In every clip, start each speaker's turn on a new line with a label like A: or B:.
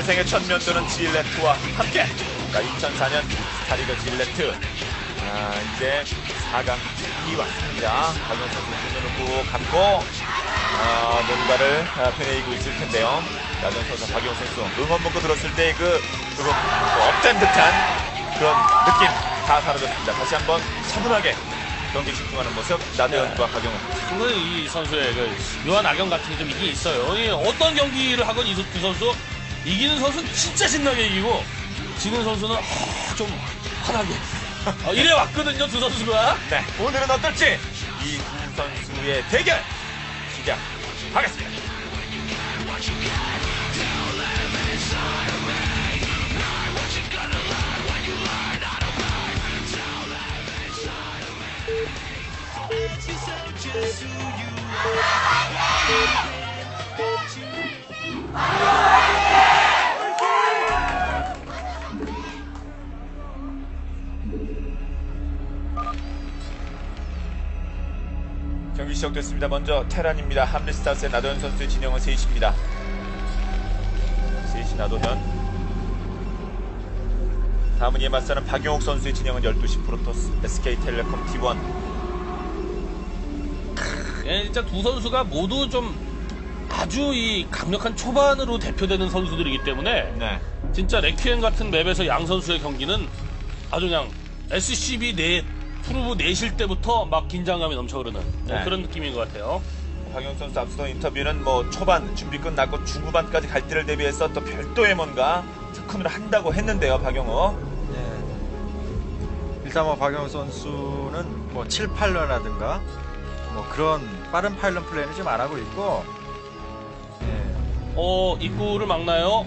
A: 재생의 첫 면도는 질레트와 함께. 자, 2004년 스타리그 질레트. 이제 4강 이 왔습니다. 박용 선수 눈을 꾹 감고 뭔가를 펴내고 있을 텐데요. 나전 선수, 박용 선수 응원 문구 들었을 때 조금 업된 듯한 그런 느낌 다 사라졌습니다. 다시 한번 차분하게 경기 집중하는 모습. 나대현과 박용은.
B: 저는 이 선수의 묘한 악영 같은 게 좀 있긴 있어요. 어떤 경기를 하건 이 선수 이기는 선수는 진짜 신나게 이기고 지는 선수는 좀 화나게 이래 왔거든요, 두 선수가.
A: 네, 오늘은 어떨지 이 두 선수의 대결 시작하겠습니다. 경기 시작됐습니다. 먼저 테란입니다. 함리스타스의 나도현 선수의 진영은 3시입니다. 3시 나도현. 다음은 이에 맞서는 박용욱 선수의 진영은 12시 프로토스 SK텔레콤 T1.
B: 진짜 두 선수가 모두 좀 아주 이 강력한 초반으로 대표되는 선수들이기 때문에
A: 네.
B: 진짜 레퀴엠 같은 맵에서 양 선수의 경기는 아주 그냥 SCB 프로브 내실 때부터 막 긴장감이 넘쳐 흐르는
A: 네.
B: 그런 느낌인 것 같아요.
A: 박용 선수 앞서던 인터뷰는 초반 준비 끝났고 중후반까지 갈 때를 대비해서 또 별도의 뭔가 특훈을 한다고 했는데요, 박용호.
C: 네. 일단 박영호 선수는 7, 8런이라든가 그런 빠른 파일런 플레이는 지금 안 하고 있고.
B: 입구를 막나요?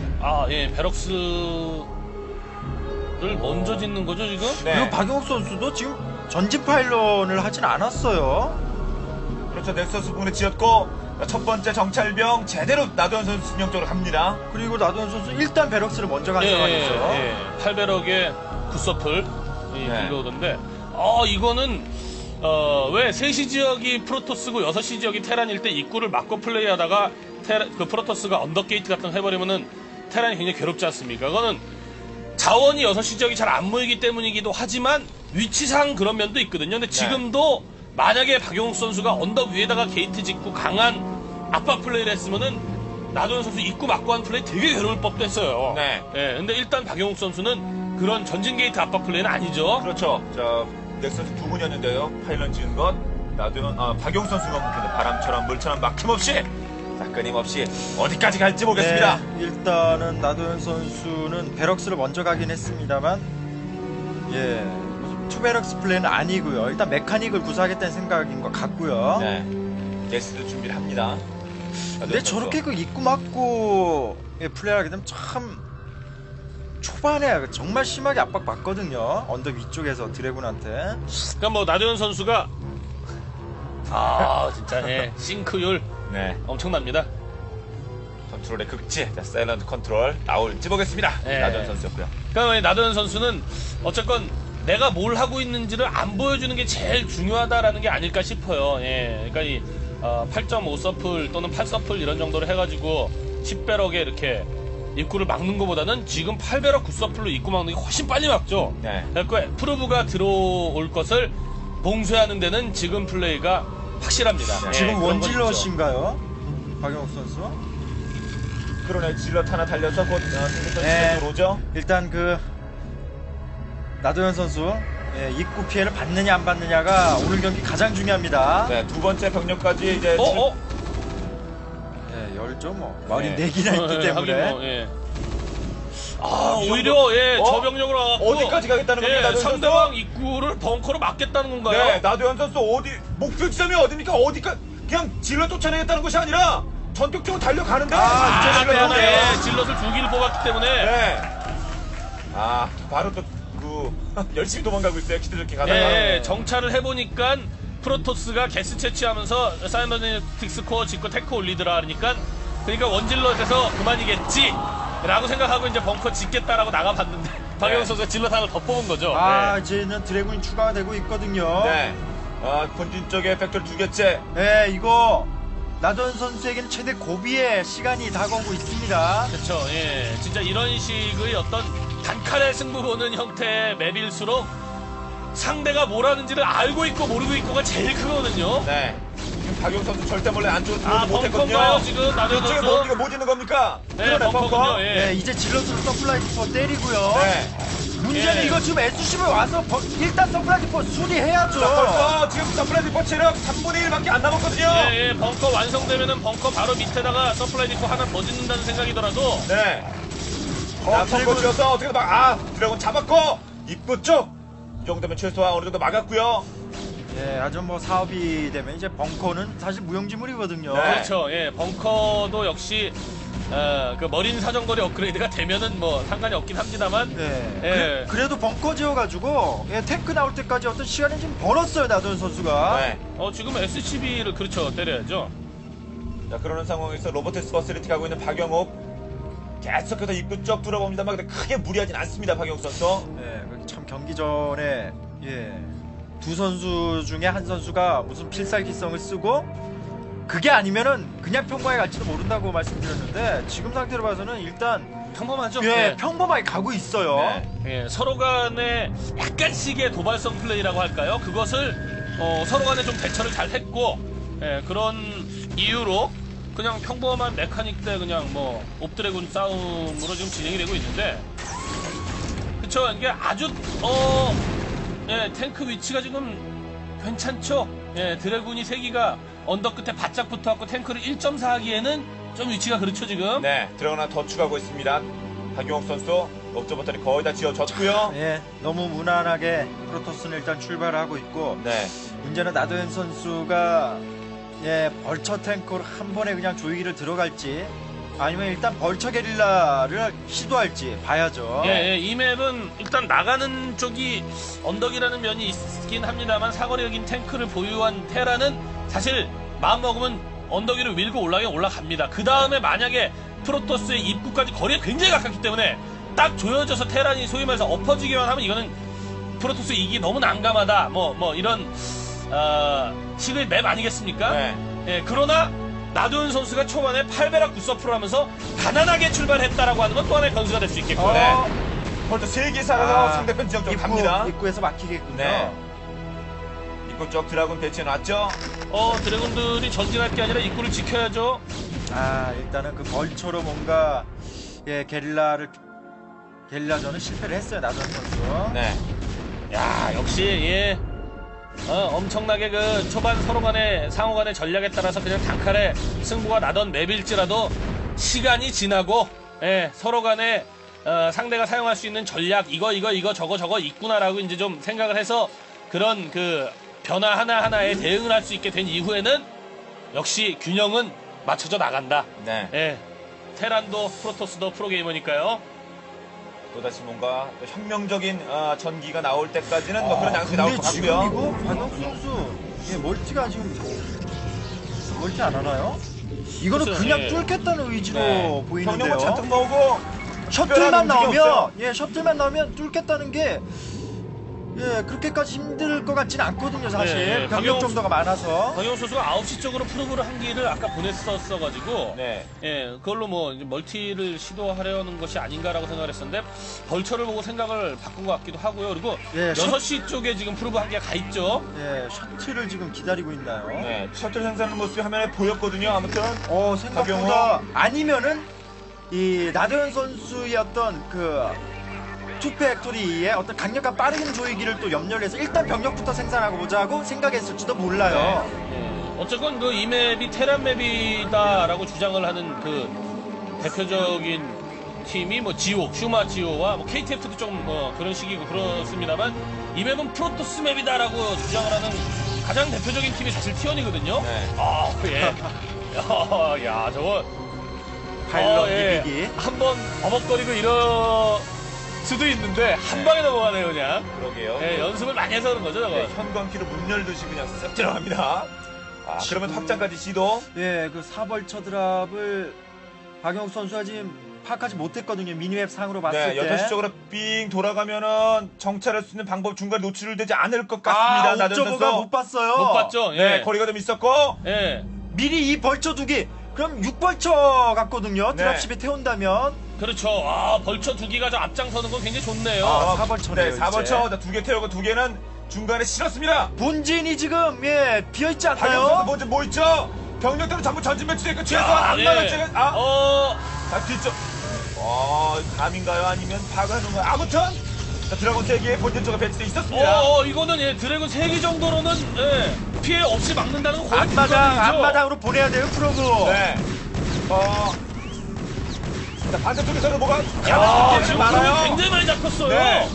B: 베럭스를 먼저 짓는 거죠, 지금?
A: 네.
C: 그리고 박영욱 선수도 지금 전진 파일런을 하진 않았어요.
A: 그렇죠. 넥서스 부분에 지었고 첫 번째 정찰병 제대로 나도현 선수 진영 쪽으로 갑니다.
C: 그리고 나도현 선수 일단 베럭스를 먼저 간 상황이죠.
B: 8배럭의 굿서플
A: 네.
B: 빌려오던데 이거는 왜 3시 지역이 프로토스고 6시 지역이 테란일 때 입구를 막고 플레이하다가 그 프로토스가 언더게이트 같은 거 해버리면은 테란이 굉장히 괴롭지 않습니까? 그거는 자원이 6시 지역이 잘 안 모이기 때문이기도 하지만 위치상 그런 면도 있거든요. 근데 지금도 만약에 박용욱 선수가 언덕 위에다가 게이트 짓고 강한 압박 플레이를 했으면은 나도현 선수 입구 막고 한 플레이 되게 괴로울 법도 했어요.
A: 네.
B: 근데 일단 박용욱 선수는 그런 전진 게이트 압박 플레이는 아니죠.
A: 그렇죠. 넥서스 두 분이었는데요. 파일런 지은 것 나도현, 박용 선수가 묶이는 바람처럼 물처럼 막힘없이 끊임없이 어디까지 갈지 보겠습니다.
C: 네, 일단은 나도현 선수는 베럭스를 먼저 가긴 했습니다만 투베럭스 플레이는 아니고요. 일단 메카닉을 구사하겠다는 생각인 것 같고요.
A: 네. 게스트 준비를 합니다.
C: 근데 저렇게 입구 막고 플레이하게 되면 참 초반에 정말 심하게 압박받거든요. 언덕 위쪽에서 드래곤한테.
B: 그러니까 나도현 선수가 진짜 싱크율 엄청납니다.
A: 컨트롤의 극치, 사일런트 컨트롤 나올지 보겠습니다. 나도현 선수였고요.
B: 그러니까 나도현 선수는 어쨌건 내가 뭘 하고 있는지를 안 보여주는 게 제일 중요하다라는 게 아닐까 싶어요. 그러니까 이 8.5서플 또는 8서플 이런 정도로 해가지고 10배럭에 이렇게 입구를 막는 것보다는 지금 8배럭 9서플로 입구 막는 게 훨씬 빨리 막죠. 그러니까 프로브가 들어올 것을 봉쇄하는 데는 지금 플레이가 확실합니다.
C: 지금 원질럿인가요? 박영욱 선수?
A: 그러네. 질럿 하나 달려서 곧 승부선수로 오죠.
C: 일단 나도현 선수 입구 피해를 받느냐 안 받느냐가 오늘 경기 가장 중요합니다.
A: 네, 두 번째 병력까지 이제
C: 열죠 말이 4개나 있기 때문에.
B: 오히려 저 병력으로 와갖고
A: 어디까지 가겠다는 겁니까?
B: 상대방 입구를 벙커로 막겠다는 건가요?
A: 네, 나도현 선수 목표 지점이 어디입니까? 그냥 질러 쫓아내겠다는 것이 아니라 전격적으로 달려가는데.
B: 질럿을 2기를 뽑았기 때문에.
A: 바로 또 열심히 도망가고 있어요. 기대좋게 가다가.
B: 정찰을 해보니까 프로토스가 게스 채취하면서 사이버네틱스 코어 짓고 테크 올리더라 그러니까 원질럿에서 그만이겠지 라고 생각하고 이제 벙커 짓겠다라고 나가봤는데 박영욱 선수가 질럿 하나 더 뽑은 거죠.
C: 이제는 드래곤이 추가가 되고 있거든요.
A: 본진 쪽에 팩토리 2개째.
C: 이거 나도현 선수에게는 최대 고비의 시간이 다가오고 있습니다.
B: 그렇죠. 예, 진짜 이런 식의 어떤 단칼에 승부 보는 형태의 맵일수록 상대가 뭘 하는지를 알고 있고 모르고 있고가 제일 크거든요.
A: 네. 지금 박용 선수 절대 몰래 안쪽으로
B: 아,
A: 들어오지 못했거든요.
B: 벙커인가요 지금 나도현
A: 이쪽에
B: 선수?
A: 뭡니까? 뭐 짓는 겁니까?
B: 네,
A: 그러네,
B: 벙커군요. 예.
C: 네, 이제 질럿으로 서플라이 디포 때리고요.
A: 네.
C: 문제는
B: 예.
C: 이거 지금 SCV 와서 일단 서플라이 디포 수리해야죠.
A: 자, 벌써 지금 서플라이 디포 체력 3분의 1밖에 안 남았거든요.
B: 예, 예, 벙커 완성되면은 벙커 바로 밑에다가 서플라이 디포 하나 더 짓는다는 생각이더라도
A: 네. 자, 벙커 지어서 어떻게든 드래곤 잡았고 입구 쪽. 이 정도면 최소한 어느 정도 막았고요.
C: 예, 아주 뭐 사업이 되면 이제 벙커는 사실 무용지물이거든요.
A: 네.
B: 그렇죠. 예, 벙커도 역시 그 머린 사정거리 업그레이드가 되면은 뭐 상관이 없긴 합니다만.
C: 네.
B: 예.
C: 그래도 벙커 지어가지고 예, 탱크 나올 때까지 어떤 시간을 좀 벌었어요 나도현 선수가.
A: 네.
B: 지금 SCB를 그렇죠 때려야죠.
A: 자, 그러는 상황에서 로보테스 버스리티 가고 있는 박영욱 계속해서 입구 쪽 뚫어봅니다만 근데 크게 무리하진 않습니다. 박영욱 선수.
C: 네, 참 경기 전에 두 선수 중에 한 선수가 무슨 필살기성을 쓰고 그게 아니면은 그냥 평범하게 갈지도 모른다고 말씀드렸는데 지금 상태로 봐서는 일단
B: 평범하죠.
C: 평범하게 가고 있어요.
A: 네.
B: 예, 서로 간에 약간씩의 도발성 플레이라고 할까요? 그것을 서로 간에 좀 대처를 잘 했고 그런 이유로 그냥 평범한 메카닉 대 그냥 뭐 옵드래곤 싸움으로 지금 진행이 되고 있는데 그쵸 이게 아주 탱크 위치가 지금 괜찮죠? 예, 드래곤이 3기가 언덕 끝에 바짝 붙어갖고 탱크를 1.4 하기에는 좀 위치가 그렇죠 지금.
A: 네, 드래곤 하나 더 추가하고 있습니다. 박영욱 선수 옵저버터리 거의 다 지어졌고요.
C: 예, 너무 무난하게 프로토스는 일단 출발하고 있고
A: 네.
C: 문제는 나도현 선수가 벌처 탱크로 한 번에 그냥 조이기를 들어갈지 아니면 일단 벌처 게릴라를 시도할지 봐야죠.
B: 예, 이 맵은 일단 나가는 쪽이 언덕이라는 면이 있긴 합니다만 사거리 여긴 탱크를 보유한 테라는 사실 마음먹으면 언덕 위로 밀고 올라갑니다. 그 다음에 만약에 프로토스의 입구까지 거리가 굉장히 가깝기 때문에 딱 조여져서 테란이 소위 말해서 엎어지기만 하면 이거는 프로토스 이기 너무 난감하다. 뭐 이런 식의 맵 아니겠습니까?
A: 네.
B: 예, 그러나 나도현 선수가 초반에 8배락 9서프를 하면서 가난하게 출발했다라고 하는 건 또 하나의 변수가 될 수 있겠고요.
A: 네. 벌써 3개 살아서 상대편 지역 쪽 갑니다.
C: 입구에서 막히겠군요.
A: 네. 입구 쪽 드래곤 배치해놨죠.
B: 드래곤들이 전진할 게 아니라 입구를 지켜야죠.
C: 일단은 그 벌처로 뭔가 게릴라전은 실패를 했어요 나도현 선수.
A: 네.
B: 야, 역시 엄청나게 그 초반 서로 간의 상호 간의 전략에 따라서 그냥 단칼에 승부가 나던 맵일지라도 시간이 지나고 서로 간에 상대가 사용할 수 있는 전략 이거 저거 있구나라고 이제 좀 생각을 해서 그런 그 변화 하나하나에 대응을 할 수 있게 된 이후에는 역시 균형은 맞춰져 나간다.
A: 네.
B: 테란도 프로토스도 프로게이머니까요.
A: 또다시 뭔가 또 혁명적인 전기가 나올 때까지는 뭐 그런 양식이 나올 것
C: 근데 지금
A: 같고요.
C: 이거 박영수 선수 멀티가 지금 멀티 안 하나요? 이거는
B: 글쎄요,
C: 그냥
B: 예.
C: 뚫겠다는 의지로
A: 네.
C: 보이는데요.
A: 병력만 잔뜩 모으고
C: 셔틀만
A: 특별한 움직임이 없어요.
C: 나오면 셔틀만 나오면 뚫겠다는 게 그렇게까지 힘들 것 같지는 않거든요 사실.
B: 네,
C: 병력 정도가 많아서.
B: 박영호 선수가 9시 쪽으로 프로브를 한 기를 아까 보냈었어가지고
A: 네.
B: 그걸로 뭐 이제 멀티를 시도하려는 것이 아닌가라고 생각을 했었는데 벌처를 보고 생각을 바꾼 것 같기도 하고요. 그리고
C: 예,
B: 6시 쪽에 지금 프로브 한 개가 가 있죠.
C: 셔틀을 지금 기다리고 있나요?
A: 네. 셔틀 생산하는 모습이 화면에 보였거든요. 아무튼
C: 생각보다 아니면은 이 나도현 선수의 어떤 그 투팩토리의 어떤 강력한 빠른 조이기를 또 염려를 해서 일단 병력부터 생산하고 보자 하고 생각했을지도 몰라요.
B: 어쨌건 그 이 맵이 테란 맵이다라고 주장을 하는 그 대표적인 팀이 뭐 지오, 슈마 지오와 뭐 KTF도 좀 뭐 그런 식이고 그렇습니다만 이 맵은 프로토스 맵이다라고 주장을 하는 가장 대표적인 팀이 사실 T1이거든요.
A: 네.
B: 야, 저거
C: 파일럿 이기기.
B: 한번 버벅거리고 이럴 수도 있는데 한 방에 넘어가네요 그냥.
A: 그러게요.
B: 연습을 많이 해서 그런 거죠 저거.
A: 네, 현관키로 문 열듯이 그냥 쓱 들어갑니다. 그러면 확장까지 시도.
C: 그 사벌처 드랍을 박영욱 선수가 지금 파악하지 못했거든요. 미니맵 상으로 봤을
A: 네,
C: 때.
A: 6시 쪽으로 삥 돌아가면은 정찰할 수 있는 방법 중간에 노출되지 않을 것 같습니다. 나도현
C: 옥저버가
A: 선수.
C: 못 봤어요.
B: 못 봤죠.
A: 네, 거리가 좀 있었고.
C: 미리 이 벌처 두기 그럼 6벌처 같거든요.
A: 네.
C: 드랍십에 태운다면
B: 그렇죠. 벌처 두 기가 좀 앞장서는 건 굉장히 좋네요.
C: 아, 4벌처네요.
A: 네, 4벌처 2개 태우고 2개는 중간에 실었습니다.
C: 본진이 지금 비어있지
A: 박영선
C: 않나요?
A: 먼저 뭐 있죠? 병력들은 전부 전진 배치돼 있고 최소
B: 아,
A: 안마당
B: 예.
A: 째 자, 뒤쪽. 감인가요? 아니면 파가는 거요? 아무튼 자, 드래곤 3개의 본진 쪽에 배치돼 있었습니다.
B: 이거는 드래곤 3기 정도로는 피해 없이 막는다는 건 거의 불가능이죠.
C: 앞마당으로 보내야 돼요, 프로브.
A: 네. 자, 반대쪽에서는 뭐가
B: 지금
A: 많아요.
B: 프로브 굉장히 많이 잡혔어요.
A: 네.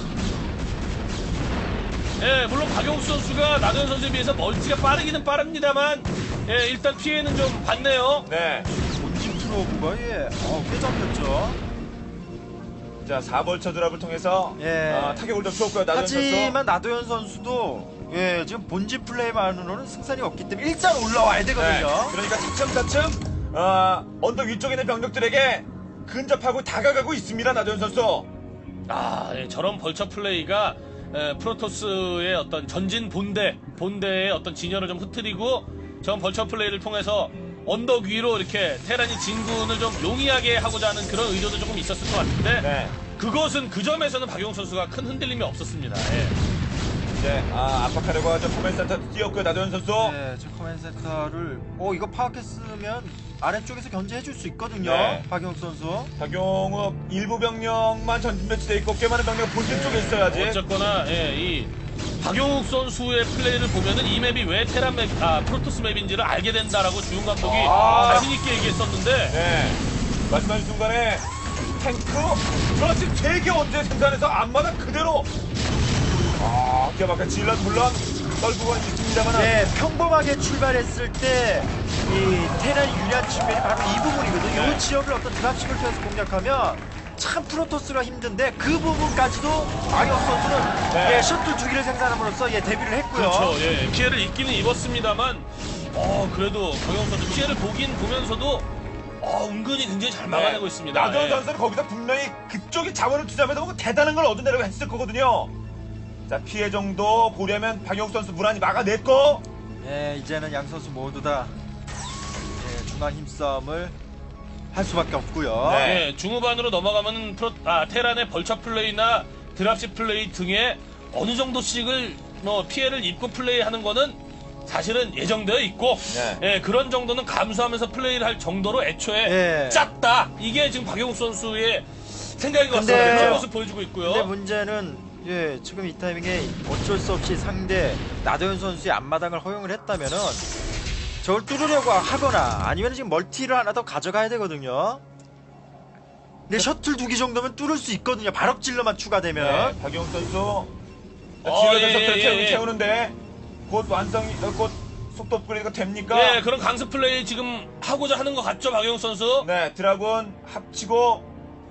B: 물론 박용수 선수가 나도현 선수에 비해서 멀티가 빠르기는 빠릅니다만 일단 피해는 좀 받네요.
A: 네.
C: 본진 프로브가 꽤 잡혔죠.
A: 자, 4벌처 드랍을 통해서 타격을 좀 줬고요. 나도현 선수.
C: 하지만 나도현 선수도 지금 본진 플레이만으로는 승산이 없기 때문에 일단 올라와야 되거든요.
A: 네. 그러니까 차츰차츰 언덕 위쪽에 있는 병력들에게 근접하고 다가가고 있습니다. 나도현 선수.
B: 저런 벌처 플레이가 프로토스의 어떤 전진 본대의 어떤 진열을 좀 흐트리고 저런 벌처 플레이를 통해서 언덕 위로 이렇게 테란이 진군을 좀 용이하게 하고자 하는 그런 의도도 조금 있었을 것 같은데
A: 네.
B: 그것은 그 점에서는 박용 선수가 큰 흔들림이 없었습니다.
A: 이제 압박하려고 하죠. 코멘 센터 뛰었고요. 나도현 선수.
C: 네, 저 커맨 센터를 이거 파악했으면 아래쪽에서 견제해줄 수 있거든요.
A: 네.
C: 박영 선수.
A: 박용욱 일부 병력만 전진 배치돼 있고 꽤 많은 병력 본진 쪽에 있어야지.
B: 어쨌거나 이 박용욱 선수의 플레이를 보면은 이 맵이 왜 테란 맵, 프로토스 맵인지를 알게 된다라고 주용 감독이 자신 있게 얘기했었는데
A: 네. 말씀하신 순간에 탱크 그렇지 3개 언제 생산해서 앞마당 그대로 기가 질럿 물론 떨구고 있습니다만
C: 네, 평범하게 출발했을 때 이 테란이 유리한 측면이 바로 이 부분이거든요.
A: 네.
C: 이 지역을 어떤 드랍십을 통해서 공략하면 참 프로토스가 힘든데 그 부분까지도 박영 선수는
A: 네.
C: 셔틀 2기를 생산함으로써 데뷔를 했고요.
B: 그렇죠. 피해를 입기는 입었습니다만 그래도 박용 선수 피해를 보면서도 은근히 굉장히 잘 막아내고 있습니다.
A: 나도현 선수는 거기서 분명히 그쪽이 자원을 투자하면서 뭔가 대단한 걸 얻어내려고 했을 거거든요. 자, 피해 정도 보려면 박용욱 선수 무난히 막아냈고
C: 이제는 양 선수 모두 다 중간 힘싸움을 할 수밖에 없고요.
A: 네.
B: 중후반으로 넘어가면은 테란의 벌처 플레이나 드랍십 플레이 등에 어느 정도씩을 피해를 입고 플레이하는 거는 사실은 예정되어 있고 그런 정도는 감수하면서 플레이를 할 정도로 애초에 짰다. 이게 지금 박용욱 선수의 생각인 것 같습니다. 그런 모습 보여주고 있고요.
C: 근데 문제는 지금 이 타이밍에 어쩔 수 없이 상대 나도현 선수의 앞마당을 허용을 했다면은 저걸 뚫으려고 하거나 아니면 지금 멀티를 하나 더 가져가야 되거든요. 근데 셔틀 2기 정도면 뚫을 수 있거든요. 발업질러만 추가되면.
A: 네, 박용욱 선수
B: 예.
A: 태우는데 곧 속도 업그레이드가 됩니까?
B: 그런 강습 플레이 지금 하고자 하는 것 같죠, 박용욱 선수?
A: 네, 드라군 합치고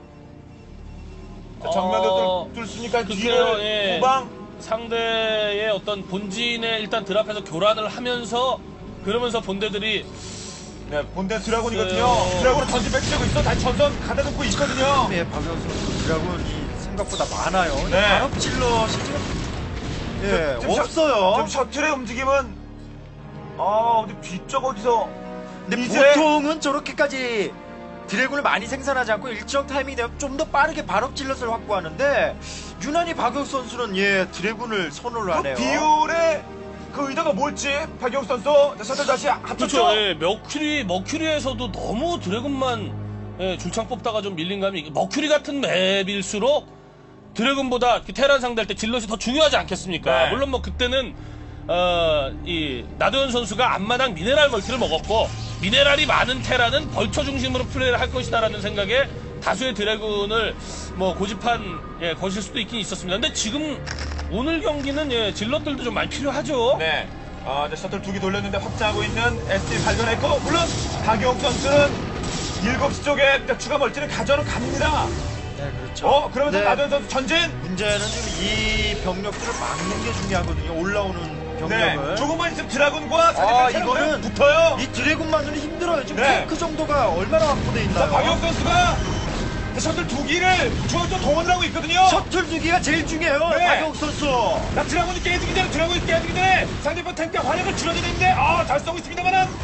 A: 정면도 뚫습니까? 뒤를 후방
B: 상대의 어떤 본진에 일단 드랍해서 교란을 하면서 그러면서 본대들이
A: 본대 드라군이거든요. 드라군은 전진 배치되고 있어. 다시 전선 가다듬고 있거든요.
C: 박영 선수 드라군이 생각보다 많아요.
A: 네.
C: 발업질럿이 지금 없어요.
A: 지금 셔틀의 움직임은 어디 뒤쪽 어디서
C: 근데
A: 이제
C: 보통은 저렇게까지 드래곤을 많이 생산하지 않고 일정 타이밍이 되면 좀 더 빠르게 발업질럿을 확보하는데 유난히 박영 선수는 드래곤을 선호를 하네요.
A: 비율의 그 의도가 뭘지 박영욱 선수 셔틀 다시 합쳤죠.
B: 그렇죠. 머큐리에서도 너무 드래곤만 줄창 뽑다가 좀 밀린 감이 머큐리 같은 맵일수록 드래곤보다 테란 상대할 때 질럿이 더 중요하지 않겠습니까?
A: 네.
B: 물론 그때는 이 나도현 선수가 앞마당 미네랄 멀티를 먹었고 미네랄이 많은 테란은 벌처 중심으로 플레이를 할 것이다라는 생각에 다수의 드래곤을 고집한 것일 수도 있긴 있었습니다. 근데 지금 오늘 경기는 질럿들도 좀 많이 필요하죠.
A: 네. 이제 셔틀 2기 돌렸는데 확장하고 있는 SD 발견했고 물론 박영욱 선수는 7시 쪽에 추가 멀티를 가져는 갑니다.
C: 네, 그렇죠.
A: 그러면서 나도현 선수 전진.
C: 문제는 지금 이 병력들을 막는 게 중요하거든요. 올라오는 병력을.
A: 조금만 있으면 드라군과 상대편
C: 이거는
A: 붙어요.
C: 이 드래곤만으로는 힘들어요. 지금
A: 네.
C: 탱크 정도가 얼마나 확보돼 있나요?
A: 박영욱 선수가 셔틀 2기를 저 동원을 하고 있거든요.
C: 셔틀 2기가 제일 중요해요.
A: 네.
C: 박영욱 선수.
A: 드라군이 깨지기 전에 상대편 탱크 화력을 줄여야 되는데 잘 쏘고 있습니다만은 뒷점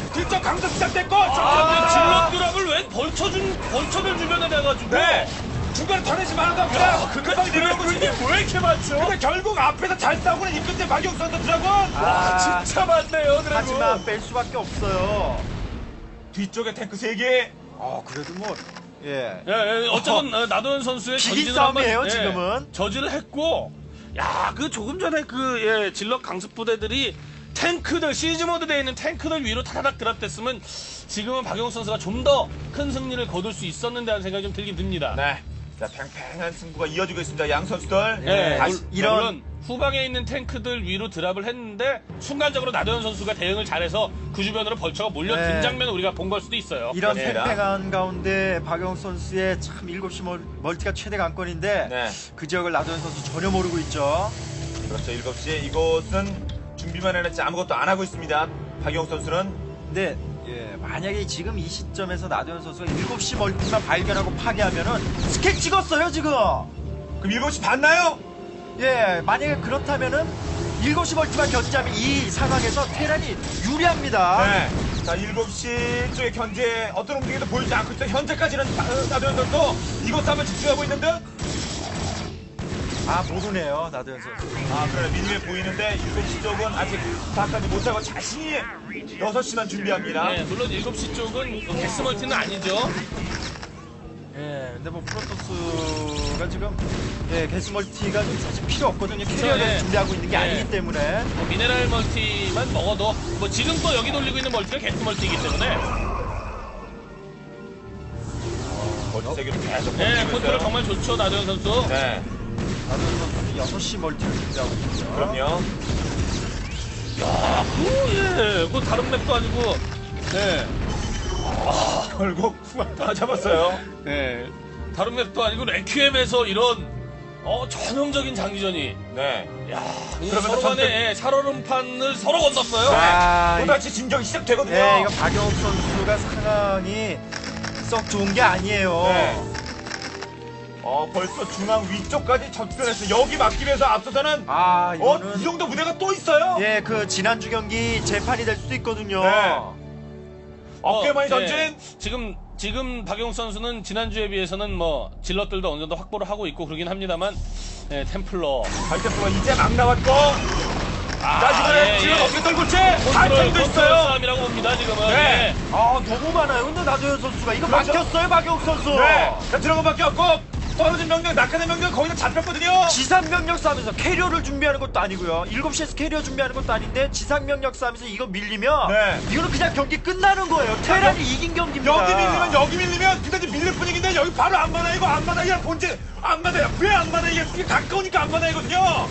A: 강도 시작됐고
B: 아, 질럿 드랍을 왜 벌처들 주변에 내가지고.
A: 네. 중간에 터내지 말아도 그냥 금방 내려오고
B: 이게 왜 이렇게 많죠?
A: 근데 결국 앞에서 잘 싸우고는 이끝에 박용 선수 드라군
C: 아,
B: 진짜 많네요, 드래곤.
C: 하지만 뺄 수밖에 없어요.
A: 뒤쪽에 탱크 3개
C: 그래도 뭐 예.
B: 예, 어쨌든 나도현 선수의
C: 비긴
B: 전진을 한번,
C: 싸움이에요, 지금은.
B: 저지를 했고, 야, 그 조금 전에 질럿 강습 부대들이 탱크들 시즈 모드 되어 있는 탱크들 위로 타다닥 드랍됐으면 지금은 박용욱 선수가 좀 더 큰 승리를 거둘 수 있었는데 하는 생각이 좀 들긴 듭니다.
A: 네. 자, 팽팽한 승부가 이어지고 있습니다. 양 선수들.
B: 예,
A: 다시
B: 물론 후방에 있는 탱크들 위로 드랍을 했는데 순간적으로 나도현 선수가 대응을 잘해서 그 주변으로 벌처가 몰려든
C: 네.
B: 장면을 우리가 본 걸 수도 있어요.
C: 이런
A: 그렇습니다.
C: 팽팽한 가운데 박영욱 선수의 참 7시 멀티가 최대 강권인데
A: 네.
C: 그 지역을 나도현 선수 전혀 모르고 있죠.
A: 그렇죠. 7시. 이곳은 준비만 해놨지 아무것도 안 하고 있습니다. 박용 선수는.
C: 근데 만약에 지금 이 시점에서 나도현 선수가 7시 멀티만 발견하고 파괴하면은 스택 찍었어요 지금.
A: 그럼 7시 봤나요?
C: 예, 만약에 그렇다면은 7시 멀티만 견제하면 이 상황에서 테란이 유리합니다.
A: 네. 자, 7시 쪽에 현재 어떤 움직임도 보이지 않고 있죠. 현재까지는 나도현 선수 이곳 한번 집중하고 있는 듯.
C: 못 오네요 나도현 선수.
A: 그래. 미니에 보이는데 7시 쪽은 아직 파악하지 못하고 자신이 6시만 준비합니다.
B: 네, 물론 7시 쪽은 게스 멀티는 아니죠.
C: 근데 뭐 프로토스가 지금 게스 멀티가 좀 사실 필요 없거든요. 캐리어를
B: 예.
C: 준비하고 있는 게
B: 예.
C: 아니기 때문에.
B: 뭐 미네랄 멀티만 먹어도 뭐 지금 또 여기 돌리고 있는 멀티가 게스 멀티이기 때문에
A: 멀티 세계로 계속
B: 네,
A: 버티고
B: 컨트롤
A: 있어요.
B: 정말 좋죠 나도현 선수.
A: 네.
C: 나도현 선수는 6시 멀티를 준비하고 있거든요.
A: 그럼요.
B: 그 다른 맵도 아니고
A: 결국 다 잡았어요.
B: 다른 맵도 아니고 레퀴엠에서 이런 전형적인 장기전이
A: 네.
B: 그러면 서로 간에 살얼음판을 서로 건넜어요.
A: 또다시 진정이 시작되거든요.
C: 이거 박영욱 선수가 상황이 썩 좋은 게 아니에요.
A: 네. 벌써 중앙 위쪽까지 접근했어. 여기 막기 위해서 앞서서는
C: 이거는
A: 이 정도 무대가 또 있어요.
C: 그 지난주 경기 재판이 될 수도 있거든요.
A: 네. 어깨만이 전진.
B: 네. 지금 박용 선수는 지난주에 비해서는 뭐 질럿들도 어느 정도 확보를 하고 있고 그러긴 합니다만 템플러
A: 발대표가 이제 막 나왔고. 자, 이번에 지금 어깨 떨굴채 발전도 있어요.
B: 싸움이라고 봅니다 지금은.
A: 네.
C: 너무 많아요. 근데 나도현 선수가 이거
A: 그렇죠.
C: 막혔어요, 박영욱 선수.
A: 네. 자, 들어간 밖에 없고 떨어진 명령, 낙하된 명령 거기서 잡혔거든요.
C: 지상 명령 싸움에서 캐리어를 준비하는 것도 아니고요. 7시에서 캐리어 준비하는 것도 아닌데 지상 명령 싸움에서 이거 밀리면 이거는 그냥 경기 끝나는 거예요. 테란이 이긴 경기입니다.
A: 여기 밀리면 그다지 밀릴 분위기인데 여기 바로 안 받아 이거 안 받아. 야 본질 안 받아요. 왜 안 받아? 이게 가까우니까 안 받아이거든요.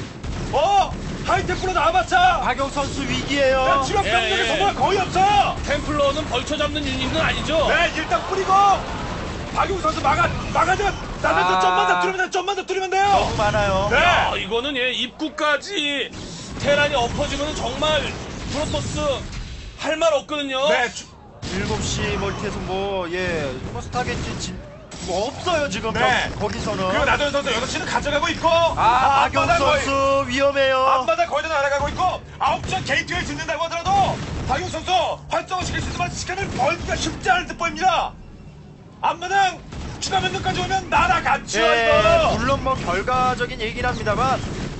A: 하이테크로 나와봤자
C: 박영 선수 위기예요.
A: 주력 병력의 소모가 거의 없어.
B: 템플러는 벌쳐 잡는 유닛은 아니죠.
A: 네, 일단 뿌리고 박용 선수 막아줘. 나는 좀만 더 뚫으면 돼요.
C: 너무 많아요.
A: 네.
B: 이거는 입구까지 테란이 엎어지면 정말 프로토스 할 말 없거든요.
A: 네.
C: 7시 멀티에서 뭐 스타게티 뭐 없어요 지금.
A: 네.
C: 거기서는.
A: 그리고 나도현 선수 6시는 가져가고 있고.
C: 박영 선수 위험해요.
A: 앞마다 거의 다 날아가고 있고 9시 게이트웨이 짓는다고 하더라도 박용 선수 활성화시킬 수 있지만 시간을 벌기가 쉽지 않을 듯 보입니다. 앞마당 추가 면역까지 오면 날아갔죠. 이거.
C: 물론 뭐 결과적인 얘기긴 합니다만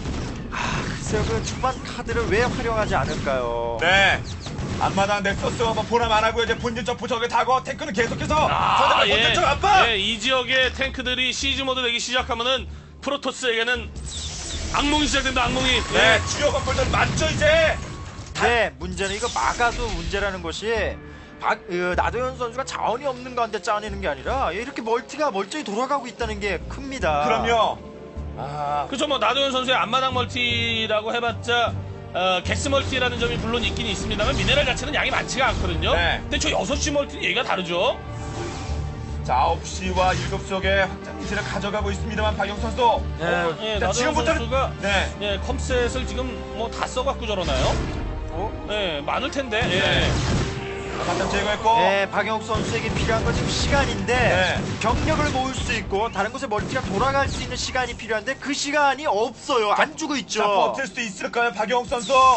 C: 글쎄요 그 초반 카드를 왜 활용하지 않을까요?
A: 네. 앞마당 넥서스 뭐 보람 안 하고 이제 본진 점프 저게 타고 탱크는 계속해서 본진 쪽 압박.
B: 이 지역의 탱크들이 시즈 모드 되기 시작하면은 프로토스에게는 악몽이 시작된다. 악몽이.
A: 네, 주요 건물들 맞죠 이제.
C: 네, 문제는 이거 막아도 문제라는 것이 나도현 선수가 자원이 없는 가운데 짜내는 게 아니라 이렇게 멀티가 멀쩡히 돌아가고 있다는 게 큽니다.
A: 그럼요.
B: 그렇죠. 뭐 나도현 선수의 앞마당 멀티라고 해봤자 게스 멀티라는 점이 물론 있긴 있습니다만 미네랄 자체는 양이 많지가 않거든요.
A: 네.
B: 근데 저 6시 멀티는 얘기가 다르죠.
A: 자, 9시와 7시 쪽에 확장 기지를 가져가고 있습니다만 박용 선수.
B: 자,
A: 자, 지금부터는
B: 선수가
A: 네.
B: 컴셋을 지금 뭐 다 써갖고 저러나요? 네, 많을 텐데.
A: 네. 확장 제거했고.
C: 네, 박영욱 선수에게 필요한 건 지금 시간인데 경력을 모을 수 있고 다른 곳에 멀티가 돌아갈 수 있는 시간이 필요한데 그 시간이 없어요. 안 주고 있죠.
A: 자, 버틸 수도 있을까요, 박용 선수?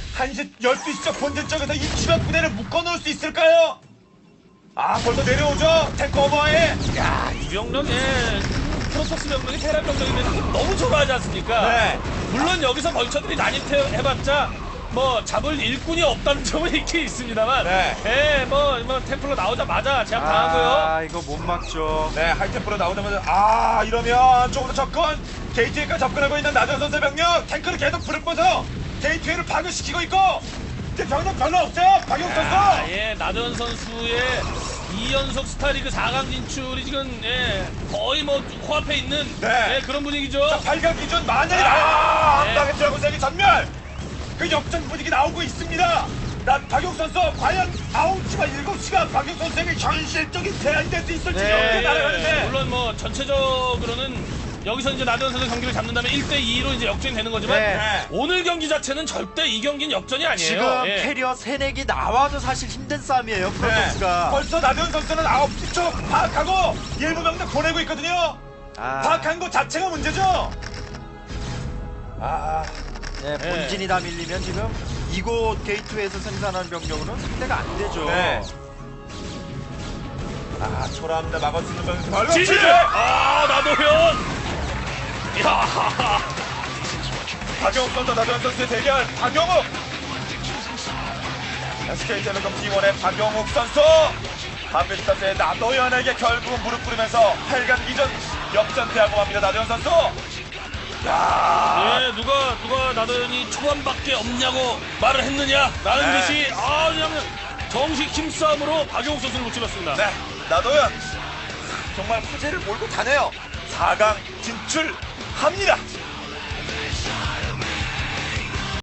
A: 1시, 12시적 본진 쪽에서 이 추가 부대를 묶어놓을 수 있을까요? 아, 벌써 내려오죠? 탱크 오버에.
B: 야, 이 병력에 프로토스 병력이 테란 병력인데 너무 좋아하지 않습니까?
A: 네.
B: 물론 여기서 벌처들이 난입해봤자 뭐 잡을 일꾼이 없다는 점은 있긴 있습니다만,
A: 네.
B: 예, 뭐 템플러 나오자마자 제압 당하고요.
C: 아, 이거 못 막죠.
A: 네, 하이템프로 나오자마자 이러면 조금 더 접근. 게이트웨이까지 접근하고 있는 나전 선수의 병력. 탱크를 계속 불을 뻗어 게이트웨이를 파괴시키고 있고. 이제 병력 별로 없어요. 박용 선수.
B: 예, 나도현 선수의 2연속 스타리그 4강 진출이 지금 거의 뭐 코앞에 있는
A: 네.
B: 그런 분위기죠.
A: 8강 기준 만년이 나와.
B: 네.
A: 한방에 드라곤세기 전멸. 그 역전 분위기 나오고 있습니다. 난 박용 선수 과연 9시와 7시가 박용 선수에게 현실적인 대안이 될 수 있을지 이렇게 날아가는데.
B: 물론 뭐 전체적으로는 여기서 이제 나도현 선수 경기를 잡는다면 1대2로 이제 역전이 되는 거지만
C: 네.
B: 오늘 경기 자체는 절대 이 경기는 역전이 아니에요.
C: 지금
B: 예.
C: 캐리어 세넥이 나와도 사실 힘든 싸움이에요. 프로토스가.
A: 벌써 나도현 선수는 9시 쪽 파악하고 일부 병력 보내고 있거든요.
C: 아.
A: 파악한 것 자체가 문제죠.
C: 네, 본진이 다 밀리면 지금 이곳 게이트웨이에서 생산한 병력으로는 상대가 안 되죠.
A: 네. 초라합니다. 막을 수 있는 병력 별로
B: 지지!
A: 없지.
B: 나도현! 야
A: 박영욱 선수, 나도현 선수의 대결. 박영욱. SK텔레콤 T1의 박영욱 선수. 한빛스타즈의 나도현에게 결국은 무릎 꿇으면서 8강 기전 역전패하고 맙니다. 나도현 선수. 야.
B: 누가 나도현이 초반밖에 없냐고 말을 했느냐라는
A: 네.
B: 듯이 그냥 정식 힘싸움으로 박용욱 선수를 무찔렀습니다.
A: 네, 나도현 정말 화제를 몰고 다네요. 4강 진출합니다.